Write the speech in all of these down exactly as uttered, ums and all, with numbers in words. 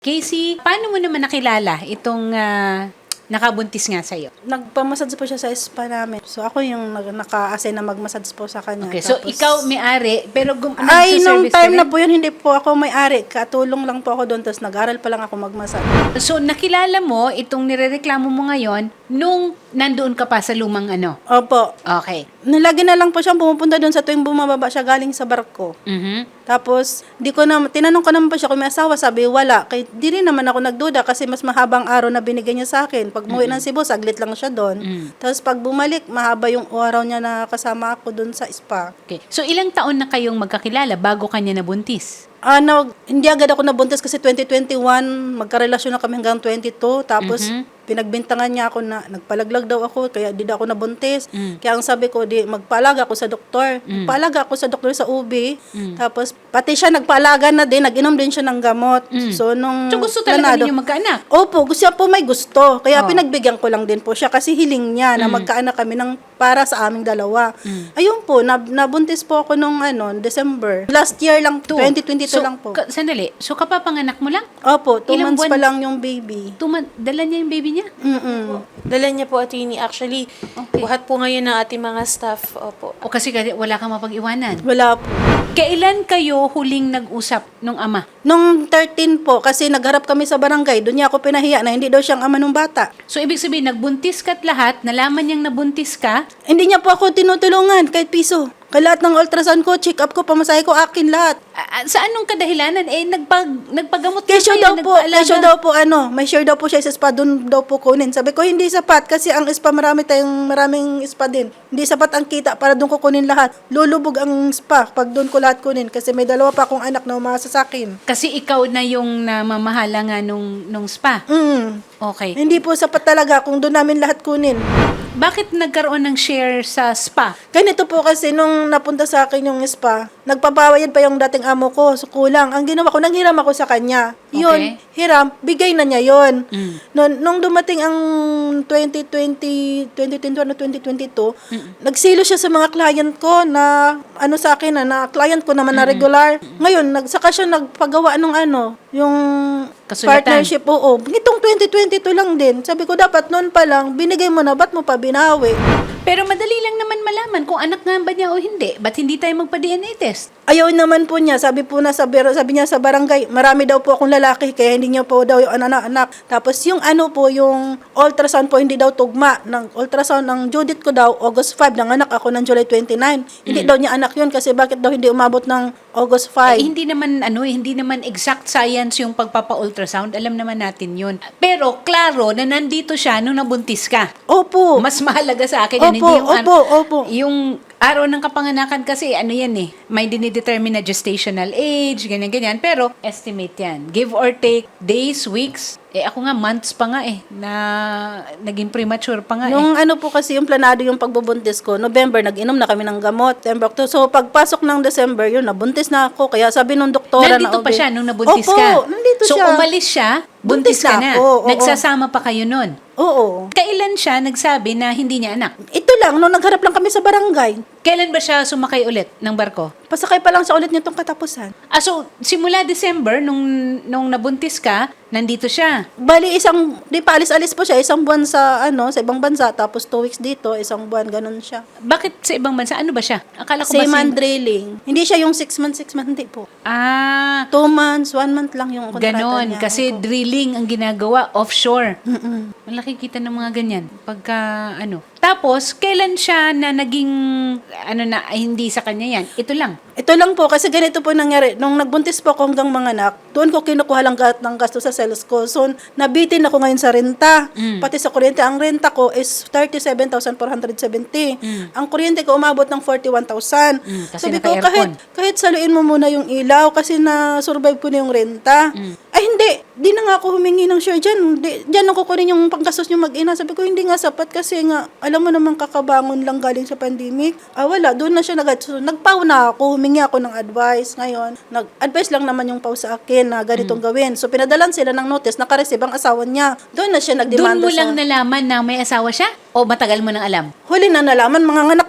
Casey, paano mo naman nakilala itong ah, nakabuntis nga sa'yo? Nagpamassage po siya sa spa namin. So, ako yung nag- naka-assign na mag-massage po sa kanya. Okay, so Tapos- ikaw may-ari, pero gum- Ay, nung nagsiservice ka time rin? na po yun, hindi po ako may-ari. Katulong lang po ako doon. Tapos nag-aral pa lang ako mag-massage. So, nakilala mo itong nirereklamo mo ngayon nung nandoon ka pa sa lumang ano? Opo. Okay. Nilagi na lang po siyang pumupunta doon sa tuwing bumababa siya galing sa barko. Mhm. Tapos, di ko na, tinanong ko naman po siya kung may asawa. Sabi, wala. Kaya di rin naman ako nagduda kasi mas mahabang araw na binigay niya sa akin. Pag umuwi ng Cebu, saglit lang siya doon. Mm. Tapos pag bumalik, mahaba yung araw niya na kasama ako doon sa spa. Okay. So, ilang taon na kayong magkakilala bago kanya nabuntis? Ano, hindi agad ako nabuntis kasi twenty twenty-one, magkarelasyon na kami hanggang twenty-two. Tapos, Mhm. pinagbintangan niya ako na nagpalaglag daw ako, kaya di daw ako nabuntis. Mm. Kaya ang sabi ko, di, magpaalaga ako sa doktor. Mm. Magpaalaga ako sa doktor sa U B. Mm. Tapos, pati siya nagpaalaga na din, nag-inom din siya ng gamot. Mm. So, nung... So, gusto talaga planado- ninyo magkaanak? Opo, gusto niya po may gusto. Kaya Oh. pinagbigyan ko lang din po siya kasi hiling niya na Mm. magkaanak kami ng para sa aming dalawa. Mm. Ayun po, nab- nabuntis po ako nung ano, December. Last year lang, Two. twenty twenty-two So, lang po. ka- sandali. So, kapapanganak mo lang? Opo, two Ilang months buwan- pa lang yung baby. Tuma- dala niya yung baby niya? Mm-mm. Dala niya po, attorney. Actually, Okay. buhat po ngayon ng ating mga staff. Opo. O kasi kasi wala kang mapag-iwanan. Wala po. Kailan kayo huling nag-usap nung ama? Nung thirteen po, kasi nagharap kami sa barangay, doon niya ako pinahiya na hindi daw siyang ama ng bata. So, ibig sabihin, nagbuntis ka't lahat, nalaman niyang nabuntis ka, Hindi niya po ako tinutulungan kahit piso. Kaya lahat ng ultrasound ko, check up ko, pamasahe ko, akin lahat. ah, sa anong kadahilanan? Eh, nagpag, nagpagamot ka Kesyo kayo, daw po, nagpaalaga. kesyo daw po ano, may share daw po siya sa spa, doon daw po kunin. Sabi ko, hindi sapat kasi ang spa, marami tayong maraming spa din. Hindi sapat ang kita para doon ko kunin lahat. Lulubog ang spa pag doon ko lahat kunin kasi may dalawa pa akong anak na umasa sa akin. Kasi ikaw na yung namamahala nga nung, nung spa. Mm. Okay. Hindi po sapat talaga kung doon namin lahat kunin. Bakit nagkaroon ng share sa spa? Ganito po kasi nung napunta sa akin yung spa, nagpapawayad pa yung dating amo ko, so kulang. Ang ginawa ko, nanghiram ako sa kanya. Yun, Okay. hiram, bigay na niya yun. Mm. Nung, nung dumating ang twenty twenty, twenty twenty-one o twenty twenty-two, Mm. nagsilo siya sa mga client ko na, ano sa akin, na, na client ko naman na regular. Ngayon, nagsaka siya nagpagawa ng ano, yung Kasulatan. partnership, oo. Itong twenty twenty-two lang din. Sabi ko, dapat noon pa lang, binigay mo na, ba't mo pa binawi? Pero madali lang naman malaman kung anak nga ba niya o hindi. Ba't hindi tayo magpa-D N A test? Ayaw naman po niya, sabi po na sa bar- sabi niya sa barangay, marami daw po akong lalaki kaya hindi niya po daw yung anak-anak. Tapos yung ano po, yung ultrasound po hindi daw tugma. Ng ultrasound ng Judith ko daw, August five, ng anak ako ng July twenty-nine. Hindi daw niya anak yun kasi bakit daw hindi umabot ng August five? Eh, hindi naman ano, eh, hindi naman exact science yung pagpapa-ultrasound. Alam naman natin yun. Pero klaro na nandito siya nung nabuntis ka. Opo. Mas mahalaga sa akin yan, Opo, hindi yung an- opo, opo. yung araw ng kapanganakan kasi ano yan eh, may dinidetermine na gestational age, ganyan-ganyan, pero estimate yan. Give or take days, weeks, eh ako nga months pa nga eh, na naging premature pa nga eh. Nung ano po kasi yung planado yung pagbubuntis ko, November, nag-inom na kami ng gamot. September, October. So, pagpasok ng December, yun, nabuntis na ako. Kaya sabi nung doktora na... Nandito pa O B, siya nung nabuntis Opo, ka. nandito so, siya. umalis siya, buntis, Buntis ka na na. ako, oo. Nagsasama pa kayo nun. Oo. Kailan siya nagsabi na hindi niya anak? Ito lang, nung nagharap lang kami sa barangay. Kailan ba siya sumakay ulit ng barko? Pasakay pa lang siya ulit nitong katapusan. Ah, so, simula December, nung, nung nabuntis ka, nandito siya. Bali, isang, di pa alis-alis po siya, isang buwan sa, ano, sa ibang bansa, tapos two weeks dito, isang buwan, ganun siya. Bakit sa ibang bansa? Ano ba siya? Akala ko ba Seaman si- drilling. Hindi siya yung six months, six months, hindi po. Ah, Two months, one month lang yung kontrata ganon. niya. Kasi Opo. drilling ang ginagawa offshore. Mm-mm. Malaki kita ng mga ganyan. Pagka, ano. Tapos, kailan siya na naging, ano na, ay, hindi sa kanya yan? Ito lang. Ito lang po, kasi ganito po nangyari. Nung nagbuntis po ako hanggang mga anak, doon ko kinukuha lang gat ng gasto sa sales ko. So, nabitin ako ngayon sa renta. Mm. Pati sa kuryente. Ang renta ko is thirty-seven thousand four hundred seventy. Mm. Ang kuryente ko umabot ng forty-one thousand. Mm, kasi Sabi ko, naka-aircon. kahit, kahit saluin mo muna yung ilaw kasi na-survive ko na yung renta. Mm. Ay, hindi. Di na nga ako humingi ng share dyan. Di, dyan ako kunin yung panggastos nyo mag-ina. Sabi ko, hindi nga sapat kasi nga, alam mo naman kakabangon lang galing sa pandemic. Ah, wala. Doon na siya nag so, nagpaw na ako. Humingi ako ng advice ngayon. Nag-advise lang naman yung pau sa akin na ganitong gawin. So, pinadalan sila ng notice. Nakareceive ang asawa niya. Doon na siya Doon nagdemanda mo sa... lang nalaman na may asawa siya? O matagal mo nang alam? Huli na nalaman, mga anak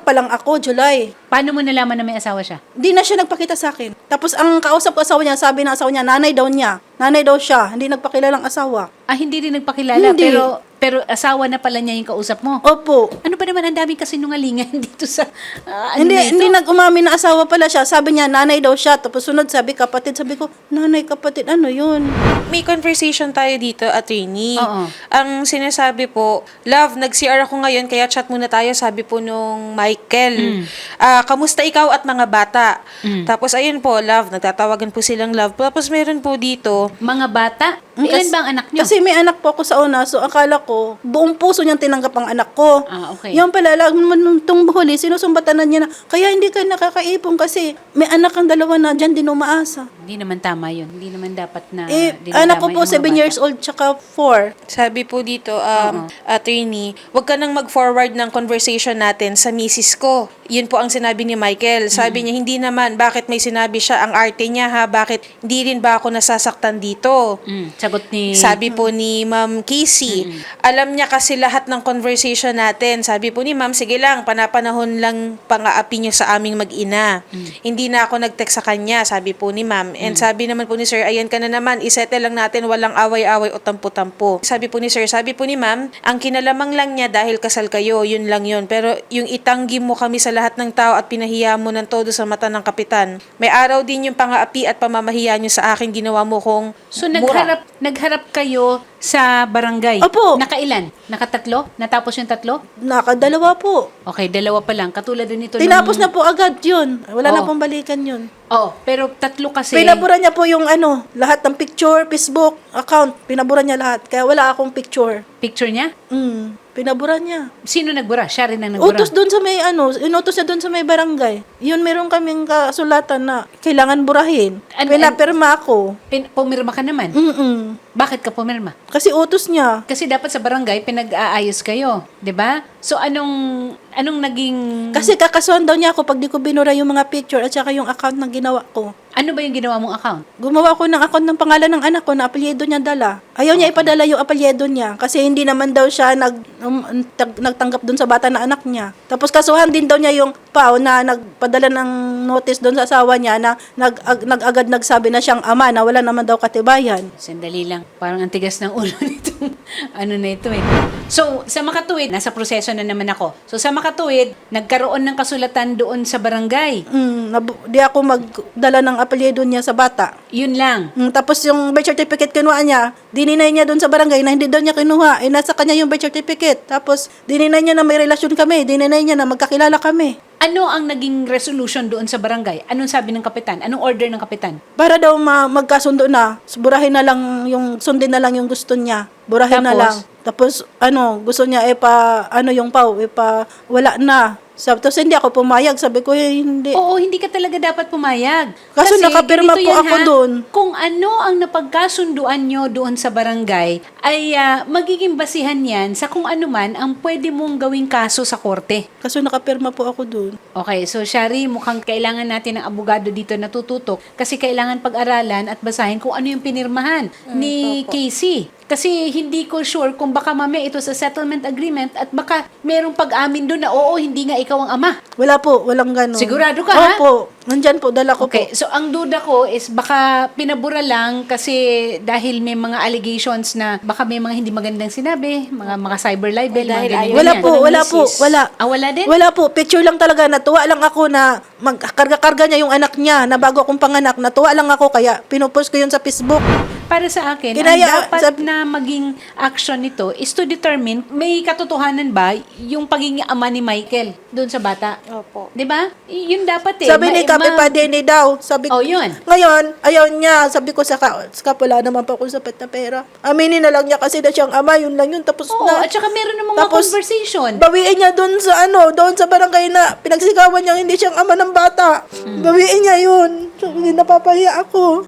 anak pa lang ako, July. Paano mo nalaman na may asawa siya? Di na siya nagpakita sa akin. Tapos ang kausap ko asawa niya, sabi ng asawa niya, nanay daw niya. Nanay daw siya, hindi nagpakilalang asawa. Ah, hindi rin nagpakilala, Hindi. pero pero asawa na pala niya yung kausap mo. Opo. Ano ba naman ang daming kasinungalingan dito sa ah, ano hindi, na ito? hindi nag-umamin na asawa pala siya. Sabi niya, nanay daw siya. Tapos sunod, sabi kapatid. Sabi ko, nanay, kapatid, ano yun? May conversation tayo dito, attorney. Oo. Ang sinasabi po, love, nag-C R ako ngayon, kaya chat muna tayo, sabi po nung Michael. Ah, kamusta ikaw at mga bata? Tapos ayun po, love, nagtatawagan po silang love. Tapos meron po dito, Mga bata? Mm, Ilan kas- ba ang anak niyo? Kasi may anak po ako sa una, so akala ko, buong puso niyang tinanggap ang anak ko. Ah, okay. Yung pala, lang nung itong huli, sinusumbatanan niya na, kaya hindi ka nakakaipon kasi may anak kang dalawa na dyan din umaasa. Hindi naman tama yun. Hindi naman dapat na eh, dinadamay anak ko po, ang mga seven bata. years old, tsaka four. sabi po dito, um, attorney, wag ka nang mag-forward ng conversation natin sa misis ko. Yun po ang sinabi ni Michael. Sabi niya, hindi naman, bakit may sinabi siya, ang arte niya ha, bakit hindi rin ba ako nasasaktan dito? Mm, sagot ni... Sabi po ni Ma'am Casey, alam niya kasi lahat ng conversation natin. Sabi po ni Ma'am, sige lang, panapanahon lang pang-aapi niyo sa aming mag-ina. Hindi na ako nag-text sa kanya, sabi po ni Ma'am. And sabi naman po ni Sir, ayan ka na naman, isettle lang natin, walang away-away o tampo-tampo. Sabi po ni Sir, sabi po ni Ma'am, ang kinalamang lang niya dahil kasal kayo, yun lang yun. Pero yung itanggi mo kami sa lahat ng tao at pinahiya mo ng todo sa mata ng kapitan, may araw din yung pang-aapi at pamamahiya niyo sa akin, ginawa mo kong So, mura. nagharap, nagharap kayo sa barangay? Opo. Nakailan? Nakatatlo? Natapos yung tatlo? Nakadalawa po. Okay, dalawa pa lang. Katulad din ito Tinapos nung... na po agad yun. Wala na Oo. pong balikan yun. Oh, pero tatlo kasi... Pinabura niya po yung ano, lahat ng picture, Facebook, account. Pinabura niya lahat. Kaya wala akong picture. Picture niya? Mm, pinabura niya. Sino nagbura? Siya rin ang nagbura. Utos doon sa may ano, inutos niya doon sa may barangay. Yun meron kaming kasulatan na kailangan burahin. An- Pinapirma ako. Pin- pumirma ka naman. Mm-mm. Bakit ka pumirma? Kasi utos niya. Kasi dapat sa barangay pinag-aayos kayo, 'di ba? So anong anong naging Kasi kakasuhan daw niya ako pag di ko binura yung mga picture at saka yung account na ginawa ko. ano ba yung ginawa mong account? Gumawa ko ng account ng pangalan ng anak ko na apelyido niya dala. Ayaw niya ipadala yung apelyido niya kasi hindi naman daw siya nag, um, tag- nagtanggap doon sa bata na anak niya. Tapos kasuhan din daw niya yung pao na nagpadala ng notice doon sa asawa niya na nag, ag, nag-agad nagsabi na siyang ama na wala naman daw katibayan. Sandali lang. Parang ang tigas ng ulo nitong ano na ito eh. So, sa Makatuwid, nasa proseso na naman ako. So, sa Makatuwid, nagkaroon ng kasulatan doon sa barangay. Mm, nabu- di ako magdala ng apelyido niya sa bata. Yun lang. Mm, tapos yung birth certificate kinuha niya, dininay niya doon sa barangay na hindi daw niya kinuha. Eh, nasa kanya yung birth certificate. Tapos, dininay niya na may relasyon kami. Dininay niya na magkakilala kami. Ano ang naging resolution doon sa barangay? Anong sabi ng kapitan? Anong order ng kapitan? Para daw ma- magkasundo na, burahin na lang yung, sundin na lang yung gusto niya. Burahin na Tapos? lang. Tapos, ano, gusto niya, eh, pa, ano yung pau, eh, pa, wala na. Sabi, tapos hindi ako pumayag. Sabi ko, eh, hindi. Oo, hindi ka talaga dapat pumayag. Kaso nakapirma ganito po yan, ako ha? doon. Kung ano ang napagkasunduan nyo doon sa barangay, ay ah, magiging basihan yan sa kung ano man ang pwede mong gawing kaso sa korte. Kaso nakapirma po ako doon. Okay, so Shari, mukhang kailangan natin ng abogado dito na tututok kasi kailangan pag-aralan at basahin kung ano yung pinirmahan ni Casey. Kasi hindi ko sure kung baka mamaya ito sa settlement agreement at baka merong pag-amin doon na oo, hindi nga ikaw ang ama. Wala po, walang ganun. Sigurado ka, ha? Opo. Nandyan po, dala ko Okay, po. so ang duda ko is baka pinabura lang kasi dahil may mga allegations na baka may mga hindi magandang sinabi, mga mga cyber libel, Eh, dahil mga ganyan. ayaw Wala niya. po, Ng wala po, misis. wala. Ah, wala din? Wala po, picture lang talaga. Natuwa lang ako na magkarga-karga niya yung anak niya na bago akong panganak. Natuwa lang ako kaya pinupost ko yun sa Facebook. Para sa akin, Kinaya- ang dapat sab- na maging action nito is to determine may katotohanan ba yung pagiging ama ni Michael doon sa bata. Opo. 'Di ba? Y- Yun dapat eh. Sabi ni Ma- Kape ma- pa din eh daw. Sabi Oh, yun. Ngayon, ayaw niya. Sabi ko sa ka, sa ka, wala naman pa akong sapat na pera. Aminin na lang niya kasi na siyang ama. Yun lang yun. Tapos Oo, na. at saka meron ng mga Tapos, conversation. Bawiin niya doon sa ano, doon sa barangay na pinagsigawan niya hindi siyang ama ng bata. Hmm. Bawiin niya yun. So, hindi napapahiya ako.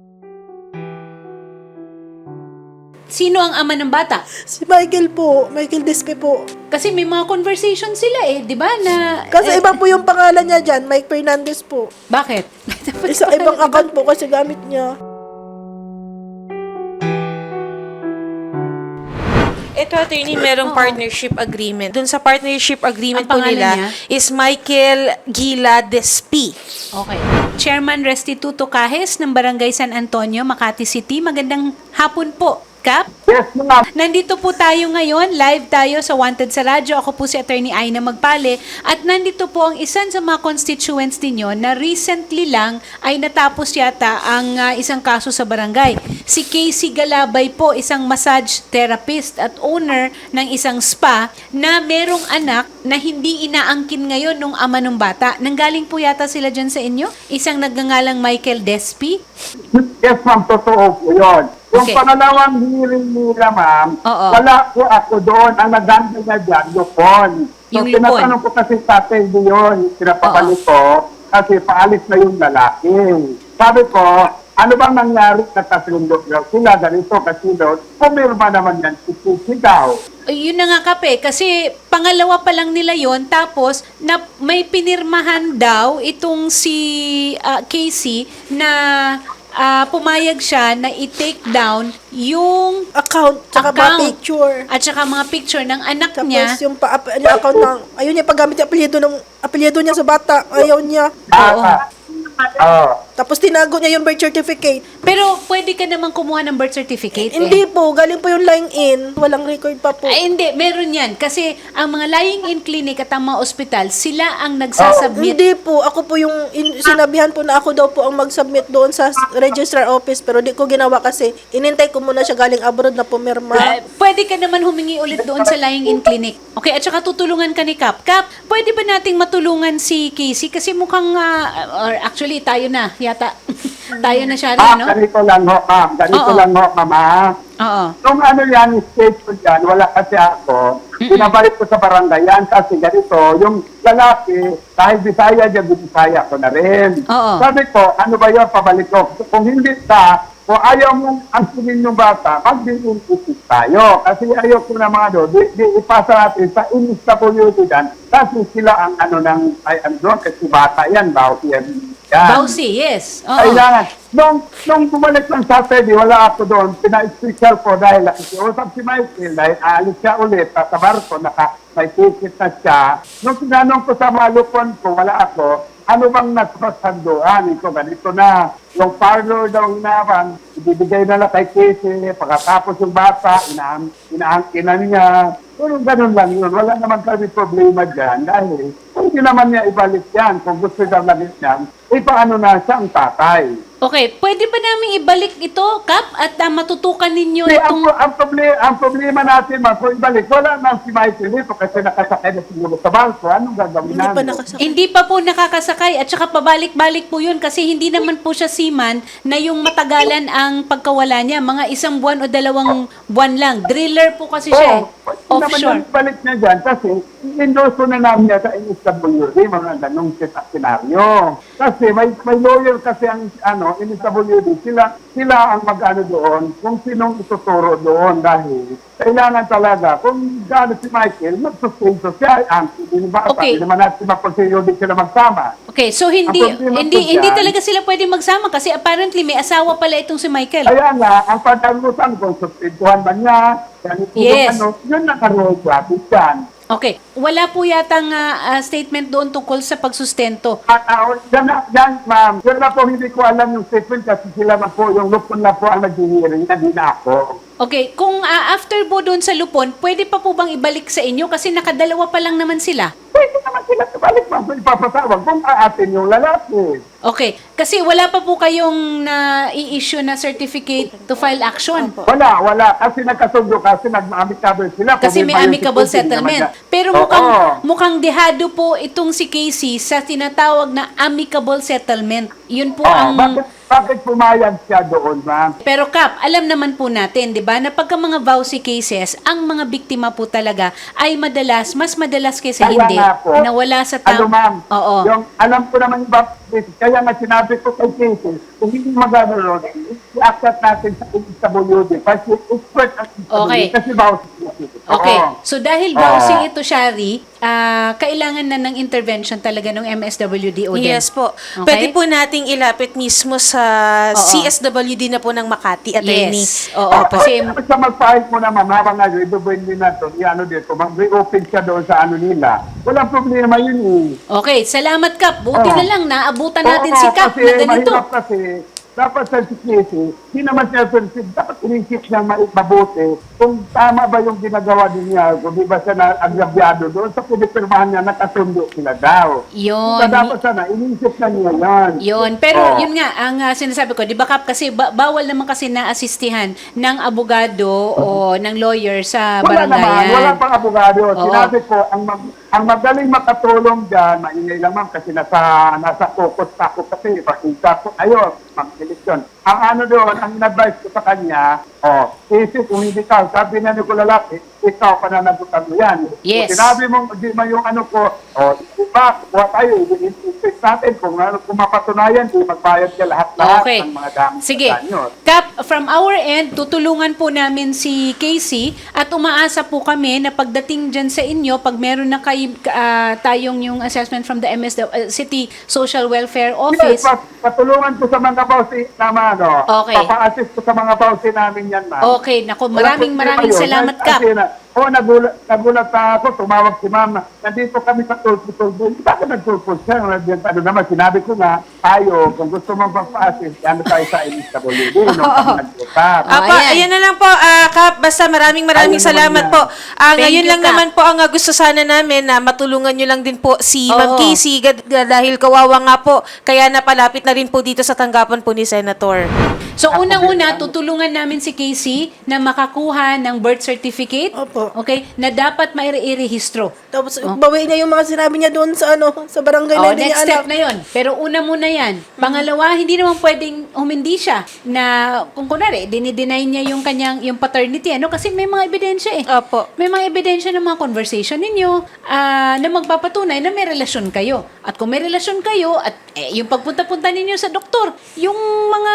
Sino ang ama ng bata? Si Michael po, Michael Despe po. Kasi may mga conversation sila eh, 'di ba? Na Kasi eh, iba po yung pangalan niya dyan, Mike Fernandez po. bakit? Isa ibang account po kasi gamit niya. Ito, attorney, merong partnership agreement. Doon sa partnership agreement Ang po pangalan nila niya? is Michael Gila Despi. Okay. Chairman Restituto Cajes ng Barangay San Antonio, Makati City. Magandang hapon po, Kap. Yes, ma'am. Nandito po tayo ngayon, live tayo sa Wanted sa Radyo. Ako po si Attorney Aina Magpale at nandito po ang isan sa mga constituents ninyo na recently lang ay natapos yata ang ah, isang kaso sa barangay. Si Casey Galabay po, isang massage therapist at owner ng isang spa na merong anak na hindi inaangkin ngayon nung ama ng bata. Nanggaling po yata sila dyan sa inyo? Isang nagngangalang Michael Despi? Yes, ma'am. Totoo po yun. Yung Okay. pangalawang hearing nila, ma'am, Oo. wala po ako doon. Ang naganda niya dyan, Lupon. So, Yung Lupon. tinatanong ko kasi tatay yun, pinapabalik ko, kasi paalis na yung lalaki. Sabi ko, ano bang nangyari na kasundo sila ganito kasi doon? Pumirma naman yan, sisigaw. Ay, yun na nga kape, kasi pangalawa pa lang nila yon tapos na may pinirmahan daw itong si ah, Casey na ah, pumayag siya na i-take down yung Account, tsaka ba Account. picture. at saka mga picture ng anak Tapos niya. yung pa, ap- yung account ng, ayun niya, paggamit yung apelyido ng, apelyido niya sa bata, ayaw niya. Oo. Ah, ah. Tapos tinago niya yung birth certificate. Pero pwede ka naman kumuha ng birth certificate. eh. Hindi po, galing po yung lying in, walang record pa po. Ay, hindi, meron yan. Kasi ang mga lying-in clinic at ang mga ospital, sila ang nagsasubmit. Hindi po, ako po yung in- sinabihan po na ako daw po ang mag-submit doon sa s- registrar office pero di ko ginawa kasi inintay ko muna siya galing abroad na pumirma. Ah, pwede ka naman humingi ulit doon sa lying-in clinic. Okay, at saka tutulungan ka ni Kap. Kap, pwede ba nating matulungan si Casey? Kasi mukhang, ah, or actually, tayo na, yata. tayo na siya Ah, rin, no? ganito lang ho, ma'am. Ganito Oo. lang ho, ma'am. ah. Oo. Nung ano yan, stage ko dyan, wala kasi ako. Pinabalik ko sa barangay yan kasi ganito, yung lalaki, dahil Bisaya dyan, Bisaya ko na rin. Oo. Sabi ko, ano ba yun, pabalik ko. Kung hindi ka, kung ayaw mong ansinin yung bata, mag-din-insist tayo. Kasi ayaw ko na mga doon, di, di ipasa natin sa instability dyan. Kasi sila ang ano ng, ay ano doon, kasi bata yan, bawat yan. yan. Bausi, yes. Oo. Kailangan. Nung, nung bumalik ng Saturday, wala ako doon. Pina-special ko dahil nakikiusap si Michael dahil aalis siya ulit sa barko, naka, may ticket na siya. Nung sinanong ko sa malupon ko, wala ako, ano bang nagpasanduan? Ito, ganito na. Yung parlor daw inaban, ibibigay na lang kay Casey, pagkatapos yung bata, inaang, inaangkinan niya. Pero ganun lang yun. Wala naman kami problema dyan dahil kung hindi naman niya ibalik yan, kung gusto niya balik yan, ipaano na siya ang tatay. Okay, pwede ba namin ibalik ito, Kap, at ah, matutukan ninyo Hindi, ang, itong... ang, problema, ang problema natin, ma'am, kung ibalik, wala na si Michael dito kasi nakasakay na siguro sa bangko. Anong gagawin Hindi pa namin? nakasakit. Hindi pa po nakakasakay at saka pabalik-balik po yun kasi hindi naman po siya seaman na yung matagalan ang pagkawala niya. Mga isang buwan o dalawang buwan lang. Driller po kasi siya. eh. Oo, hindi naman Offshore. yung balik niya dyan kasi endorso na namin niya sa N S W D, mga ganong senaryo. Kasi may, may lawyer kasi ang ano, N S W D, sila, sila ang mag-ano doon kung sinong ituturo doon dahil kailangan talaga, kung gaano si Michael, mag-suspenso siya. Ang hindi ba, Okay. hindi naman natin mapagsiyo din sila magsama. Okay, so hindi Ang problema hindi po hindi dyan- talaga sila pwede magsama kasi apparently may asawa pala itong si Michael. Kaya nga, ang pagkagutan kung suspentuhan ba niya, ganito Yes. ano, yun nakaroon gratis yan. Okay, wala po yatang ah, ah, statement doon tungkol sa pagsustento. At uh, yan, na- yan, ma'am, yun na po hindi ko alam yung statement kasi sila na po, yung lupon na po ang nag-hearing, hindi na ako. Okay, kung ah, after po doon sa Lupon, pwede pa po bang ibalik sa inyo kasi nakadalawa pa lang naman sila? Pwede naman sila balik, ma'am, ipapatawag kung aatin yung lalaki. Okay, kasi wala pa po kayong na i-issue na certificate to file action. Wala, wala, kasi nagkasundo kasi nag-amicable sila. Kasi Kung may yung amicable security settlement. naman na- Pero Oo. mukhang mukhang dehado po itong si Casey sa tinatawag na amicable settlement. Yun po Oo, ang... bakit, bakit pumayag siya doon, ma'am? Pero Kap, alam naman po natin, 'di ba, na pagka mga vowsy cases, ang mga biktima po talaga ay madalas, mas madalas kaysa Kaya hindi, nga po, nawala sa Ano, tao. ma'am? Oo. Yung, alam ko naman yung bap- Kaya nga sinabi ko kay Casey, kung hindi magano i-accept natin sa M S W D. Kasi expert ang M S W D. Okay. Kasi bawsi ito. Okay. Oo. So dahil Oo. bouncing ito, Shari, ah, kailangan na ng intervention talaga ng M S W D o din. Yes po. Okay? Pwede po nating ilapit mismo sa Oo. C S W D na po ng Makati, attorney. Yes. Oo, Ah, kasi Kasi sa mag-file mo naman, habang nga, ibubuin din natin, i-ano dito, mag-reopen siya doon sa ano nila. Walang problema yun eh. okay, salamat Kap. Buti Oo. na lang naabutan natin Oo, si Kap kasi na ganito. mahirap kasi, dapat sa security, hindi naman siya sensitive, dapat inisip niya ma- mabuti kung tama ba yung ginagawa din niya, kung di ba siya na-agrabyado doon, sa pinipirmahan niya, nakasundo sila daw. Yun. Kaya dapat sana, inisip na niya yan. Yun. Pero Oo. yun nga, ang ah, sinasabi ko, di ba Kap, kasi ba- bawal naman kasi na-assistihan ng abogado o ng lawyer sa Wala naman, barangayan. wala pang abogado. Oo. Sinabi ko, ang, mag, ang magaling makatulong dyan, maingay lang ma'am, kasi nasa, nasa focus ako kasi, pakita ko, ayun, mag-eleksyon. Ang ano doon, ang in-advise ko sa kanya, oh, isip kung hindi ka, sabi na ni ko lalaki, ikaw pananagutan mo yan. Yes. Kung sinabi mo, di ba yung ano ko, oh, iba, buha tayo, i-insist natin, kung, ano, kung mapatunayan, di magbayad ka lahat-lahat Okay. ng mga gamit. Sige. sa kanyo. Kap, from our end, tutulungan po namin si Casey at umaasa po kami na pagdating dyan sa inyo, pag meron na kay, ah, tayong yung assessment from the M S W, uh, City Social Welfare Office. Yes, pat- patulungan ko sa mga bawsi naman, ano. Okay. Papa-assist ko sa mga bawsi namin yan, ma'am. Okay, nako, Wala maraming problema maraming yun. salamat, Kasi Kap. na- Oo, nagulat, nagulat na ako, tumawag si ma'am. Nandito kami sa tulpo-tulpo. Bakit nagtulpo siya? Nandiyan, ano naman, sinabi ko nga, tayo, kung gusto mong papa-assist, ano tayo sa M S W D, nung kami nag-usap. Ah, Apa, ayan. ayan na lang po, ah, Kap. Basta maraming maraming Ayun naman salamat yan. po. Ah, Thank ngayon you, lang Kap. naman po ang ah, gusto sana namin na matulungan nyo lang din po si Oo. Ma'am Casey gad- gad- dahil kawawa nga po. Kaya napalapit na rin po dito sa tanggapan po ni Senator. So, unang-una, tutulungan namin si Casey na makakuha ng birth certificate. Opo. Okay? Na dapat maire-rehistro. Tapos, bawiin niya yung mga sinabi niya doon sa ano, sa barangay na Oh, hindi niya next anak. step na yon. Pero una muna yan. Pangalawa, hindi naman pwedeng humindi siya na kung kunwari, dinideny niya yung kanyang yung paternity. Ano? Kasi may mga ebidensya eh. Opo. May mga ebidensya ng mga conversation ninyo ah, na magpapatunay na may relasyon kayo. At kung may relasyon kayo at eh, yung pagpunta-punta ninyo sa doktor, yung mga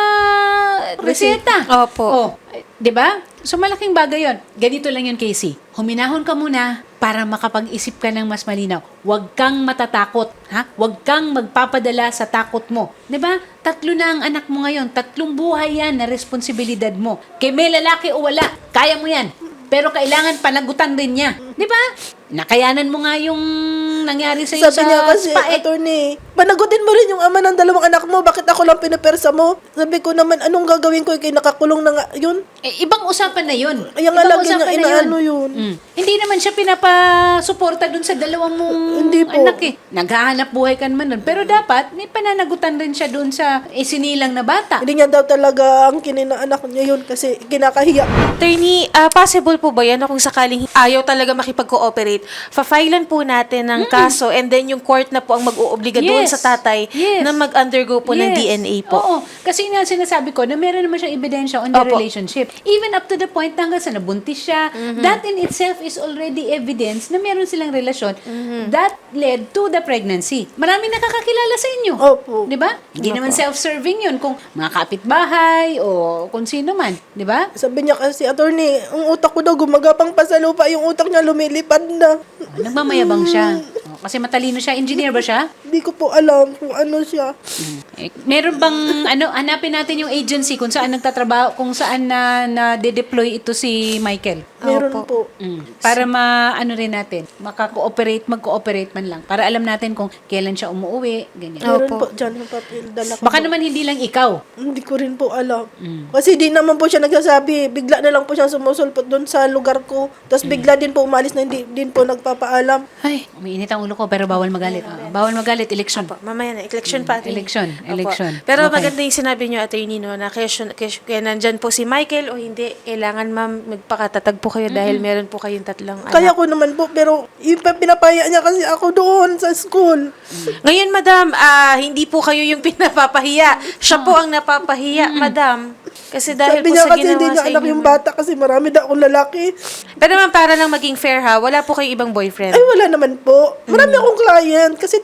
reseta. Opo. Oh, eh, 'di ba? So malaking bagay 'yon. Ganito lang 'yon, Casey. Huminahon ka muna para makapag-isip ka ng mas malinaw. Huwag kang matatakot, ha? Huwag kang magpapadala sa takot mo. 'Di ba? Tatlo na ang anak mo ngayon, tatlong buhay 'yan na responsibilidad mo. Kay may lalaki o wala, kaya mo 'yan. Pero kailangan panagutan din niya. 'Di ba? Nakayanan mo nga yung nangyari sa iyo Sabi sa niya kasi, spa, eh. attorney, panagutin mo rin yung ama ng dalawang anak mo, bakit ako lang pinapersa mo? Sabi ko naman, anong gagawin ko, kay nakakulong na nga, yun. Eh, ibang usapan na yun. Kaya nga Ibang lagi usapan niya na inaano yun. Mm. Hindi naman siya pinapasuporta dun sa dalawang mong Hindi po. anak eh. Naghahanap buhay ka naman dun. Pero dapat, may pananagutan rin siya dun sa isinilang na bata. Hindi niya daw talaga ang kininaanak niya yun kasi kinakahiya. Attorney, ah, possible po ba yan na kung sakaling ayaw talaga makipag-cooperate, fa-filean po natin ng kaso and then yung court na po ang mag-oobliga doon Yes. sa tatay Yes. na mag-undergo po ng Yes. D N A po. Oo. Kasi nga sinasabi ko na meron naman siyang ebidensya on the Opo. relationship. Even up to the point na hanggang sa nabuntis siya, Mm-hmm. that in itself is already evidence na meron silang relasyon Mm-hmm. that led to the pregnancy. Maraming nakakakilala sa inyo. Opo. Di ba? Hindi naman self-serving yun kung mga kapitbahay o kung sino man. Di ba? Sabi niya kasi, attorney, ang utak ko daw gumagapang pa sa lupa, yung utak niya lumilipad na. Nagmamayabang siya. O, kasi matalino siya. Engineer ba siya? Hindi ko po alam kung ano siya. Eh, meron bang ano hanapin natin yung agency kung saan nagtatrabaho, kung saan na na-deploy ito si Michael. Meron Opo. po. Mm. Para ma ano rin natin, maka-cooperate, mag-cooperate man lang para alam natin kung kailan siya umuwi, ganyan. Meron Opo. po dyan yung papel. Dala ko Baka po. naman hindi lang ikaw. Hindi ko rin po alam. Kasi di naman po siya nagsasabi. Bigla na lang po siya sumusulpot doon sa lugar ko. Tapos bigla din po umalis na hindi din po nagpapaalam. Ay, umiinit ang ulo ko pero bawal magalit. Ah, bawal magalit, election. Opo, mamaya na, election pa. attorney. Election, Opo. election. Pero Okay. maganda yung sinabi niyo, attorney, no, na kaya, kaya, kaya nandyan po si Michael o hindi, kailangan ma'am, magpakatatag po kayo dahil meron po kayong tatlong anak. Kaya ko naman po, pero yung pa- pinapaya niya kasi ako doon sa school. Ngayon, madam, ah, hindi po kayo yung pinapapahiya. Siya po ang napapahiya, madam. Kasi dahil Sabi po niya sa kasi ginawa hindi niya sa anak inyo. yung ma'am. bata kasi marami daw akong lalaki. Pero ma'am, para lang maging fair ha, wala po kayong ibang boyfriend. Ay, wala naman po. Marami akong client kasi therapist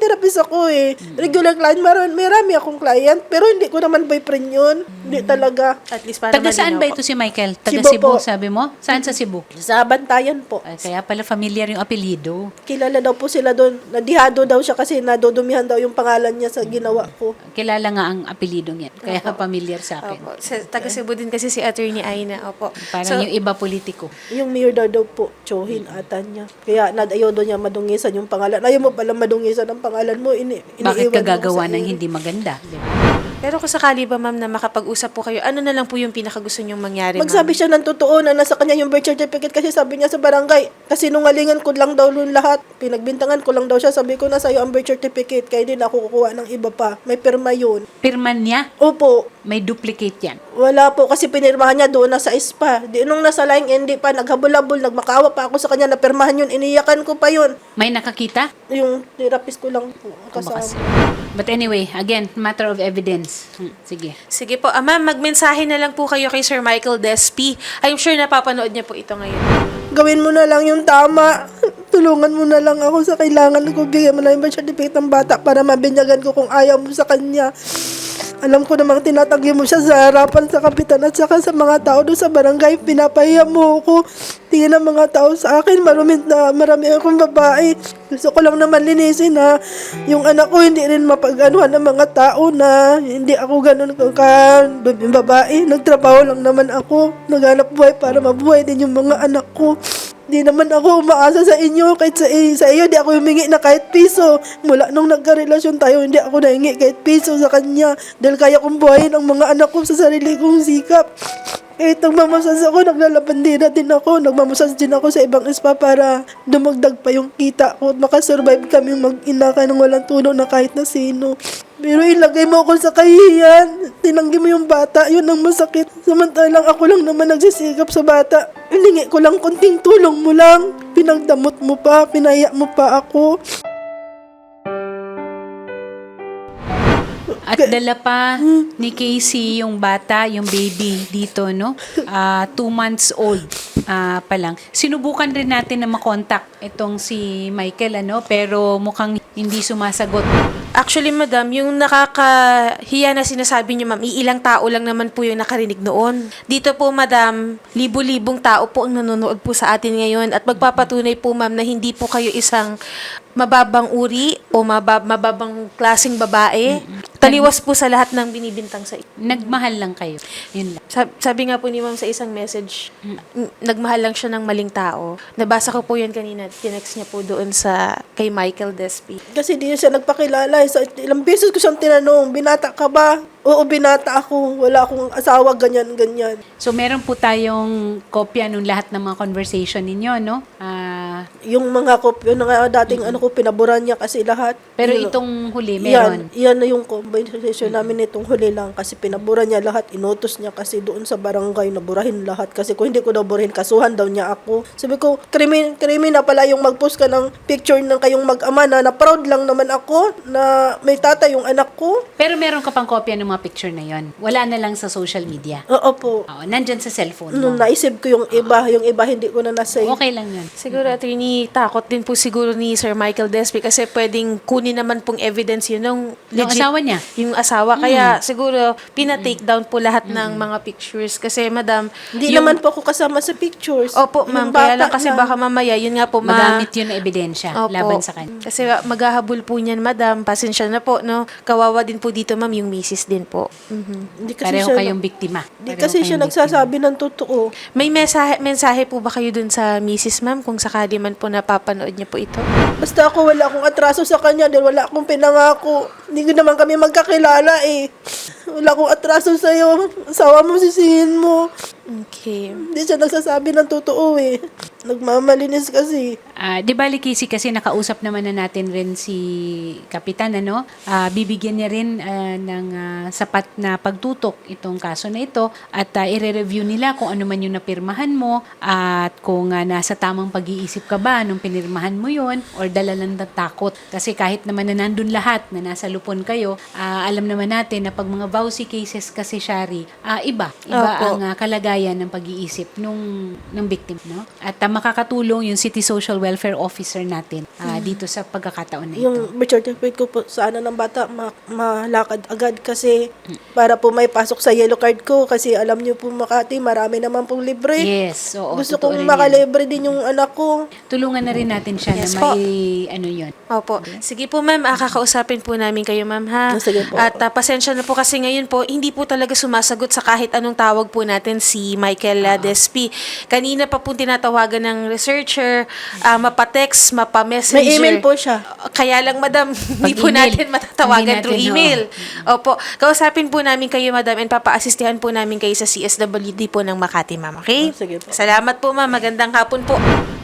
ako eh. Regular client, marami, marami akong client, pero hindi ko naman boyfriend yun. Hindi talaga. At least para Taga saan malinaw ba po. ito si Michael? Taga Cebu Cebu, po. sabi mo? Saan sa Cebu? Sa Bantayan po. Ay, kaya pala familiar yung apelido. Kilala daw po sila doon. Nadihado daw siya kasi nadudumihan daw yung pangalan niya sa ginawa ko. Kilala nga ang apelidong yan. Kaya familiar sa akin. Opo. Sa, taga Cebu din kasi si Attorney Aina. Opo. Parang So, yung iba politiko. Yung mayor daw daw po, Chohin ata niya. Kaya nadayaw daw niya madungisan yung pangalan. Ayaw mo pala madungisan ang pangalan mo. Ini, Bakit iniiwan ka mo gagawa sa ng iyo. hindi maganda? Di ba? pero kung sakali ba, ma'am, na makapag-usap po kayo, ano na lang po yung pinakagusto niyong mangyari, Magsabi ma'am? siya ng totoo na nasa kanya yung birth certificate kasi sabi niya sa barangay. Kasi nungalingan ko lang daw nun lahat. Pinagbintangan ko lang daw siya. Sabi ko na sa'yo ang birth certificate. Kaya din ako kukuha ng iba pa. May pirma yun. Pirman niya, Opo. may duplicate yan. Wala po kasi pinirmahan niya doon na sa spa. Di nung nasa line hindi pa naghabol-habol, nagmakawa pa ako sa kanya na pirmahan yun. Iniyakan ko pa yun. May nakakita? Yung therapist ko lang po ang kasama. Kumakas. But anyway, again, matter of evidence. Hmm, sige. Sige po. Ah, ma'am, magmensahe na lang po kayo kay Sir Michael Despi. I'm sure napapanood niya po ito ngayon. Gawin mo na lang yung tama. Tulungan mo na lang ako sa kailangan ko. Bigyan mo na yung birth certificate ng bata para mabinyagan ko kung ayaw mo sa kanya. Alam ko namang tinatanggi mo siya sa harapan sa kapitan at saka sa mga tao doon sa barangay. Pinapahiya mo ako. Tingin ng mga tao sa akin, marami na marami akong babae. Gusto ko lang naman linisin na yung anak ko hindi rin mapag-anuhan ng mga tao na hindi ako ganun ka, ka yung babae. Nagtrabaho lang naman ako. Naghanap buhay para mabuhay din yung mga anak ko. Di naman ako umaasa sa inyo, kahit sa, eh, sa iyo, di ako humingi na kahit piso. Mula nung nagka-relasyon tayo, hindi ako nahingi kahit piso sa kanya. Dahil kaya kong buhayin ang mga anak ko sa sarili kong sikap. Kahit nagmamasas ako, naglalabandira din ako. Nagmamasas din ako sa ibang spa para dumagdag pa yung kita ko at makasurvive kami mag-ina ka ng walang tulong na kahit na sino. Pero ilagay mo ako sa kahihiyan. Tinanggi mo yung bata, yun ang masakit. Samantalang ako lang naman nagsisikap sa bata. Hiningi ko lang konting tulong mo lang. Pinagdamot mo pa, pinaya mo pa ako. At dala pa ni Casey yung bata, yung baby dito, no? Ah, two months old ah, pa lang. Sinubukan rin natin na makontak itong si Michael, ano? Pero mukhang hindi sumasagot. Actually, madam, yung nakakahiya na sinasabi niyo, ma'am, iilang tao lang naman po yung nakarinig noon. Dito po, madam, libo-libong tao po ang nanonood po sa atin ngayon at magpapatunay po, ma'am, na hindi po kayo isang mababang uri o mabab- mababang klaseng babae. Taliwas po sa lahat ng binibintang sa inyo. Nagmahal lang kayo. Yun lang. Sab- sabi nga po ni ma'am sa isang message, n- nagmahal lang siya ng maling tao. Nabasa ko po yun kanina. Tinext niya po doon sa kay Michael Despi. Kasi di siya nagpakilala. Sa ilang beses ko siyang tinanong, binata ka ba? Oo, binata ako. Wala akong asawa, ganyan, ganyan. So, meron po tayong kopya nung lahat ng mga conversation ninyo, no? Ah, Yung mga kopyo na nga dating ano ko, pinaboran niya kasi lahat. pero Yun, itong huli, meron. Yan, yan na yung conversation namin nitong huli lang kasi pinabura niya lahat, inutos niya kasi doon sa barangay na burahin lahat kasi kung hindi ko daw burahin, kasuhan daw niya ako. Sabi ko, krimen, krimen na pala yung mag-post ka ng picture ng kayong mag-ama na, na proud lang naman ako na may tatay yung anak ko. Pero meron ka pang kopya ng mga picture na yon. Wala na lang sa social media. Oo po. Oo, nandyan sa cellphone mo. Nung naisip ko yung iba, yung iba hindi ko na nasave. Okay lang yun. Siguro, attorney, takot din po siguro ni Sir Michael Despi kasi pwedeng kunin naman pong evidence yun ng Yung asawa niya. Yung asawa. Kaya siguro, pina-take down po lahat ng mga pictures. Kasi, madam, Hindi yung- naman po ako kasama sa pictures. Opo, Yung ma'am. Kaya lang bata kasi na- baka mamaya, yun nga po, ma- Magamit yun na ebidensya Opo. laban sa kanya. Kasi uh, maghahabol po niyan, madam. Pasensya na po, no? Kawawa din po dito, ma'am, yung misis din po. Mhm. Hindi kasi Pareho siya, kayong biktima. Hindi Pareho kasi siya kayong nagsasabi ng totoo. May mensahe, mensahe po ba kayo dun sa misis, ma'am? Kung sakali man po napapanood niyo po ito? Basta ako wala akong atraso sa kanya dahil wala akong pinangako. Hindi ko naman kami magkakilala eh. Wala akong atraso sa'yo. Asawa mo, sisihin mo. Okay. Hindi siya nagsasabi ng totoo eh. Nagmamalinis kasi. Ah, di ba, Likisi, kasi nakausap naman na natin rin si Kapitan, ano? Ah, bibigyan niya rin ah, ng ah, sapat na pagtutok itong kaso na ito at ah, i-review nila kung ano man yung napirmahan mo at kung ah, nasa tamang pag-iisip ka ba nung pinirmahan mo yun or dala lang ng takot. Kasi kahit naman na nandun lahat, na nasa lupon kayo, ah, alam naman natin na pag mga vowsy cases kasi, Shari, ah, iba. Iba Opo. ang ah, kalagayan ng pag-iisip nung, ng victim, no? At ah, makakatulong yung City Social welfare officer natin ah, dito sa pagkakataon na ito. Yung birth certificate ko po sa ano ng bata, ma- malakad agad kasi para po may pasok sa yellow card ko kasi alam niyo po Makati, marami naman pong libre. Yes, oo. Gusto totoo kong rin yan. makalibre din yung anak ko. Tulungan na rin natin siya Yes na po. may ano yun. Opo. Sige po, ma'am. Ah, kakausapin po namin kayo, ma'am, ha? Oh, sige po. At ah, pasensya na po kasi ngayon po, hindi po talaga sumasagot sa kahit anong tawag po natin si Michael uh, Despi. Kanina pa po tinatawagan ng researcher, ah, mapa-text, mapa-messenger. May email po siya. Kaya lang, madam, hindi po Pag-email. natin matatawagan Hindi through natin, email. Opo. Kausapin po namin kayo, madam, and papa-assistihan po namin kayo sa C S W D po ng Makati, ma'am. Okay? Oh, sige po. Salamat po, ma'am. Magandang hapon po.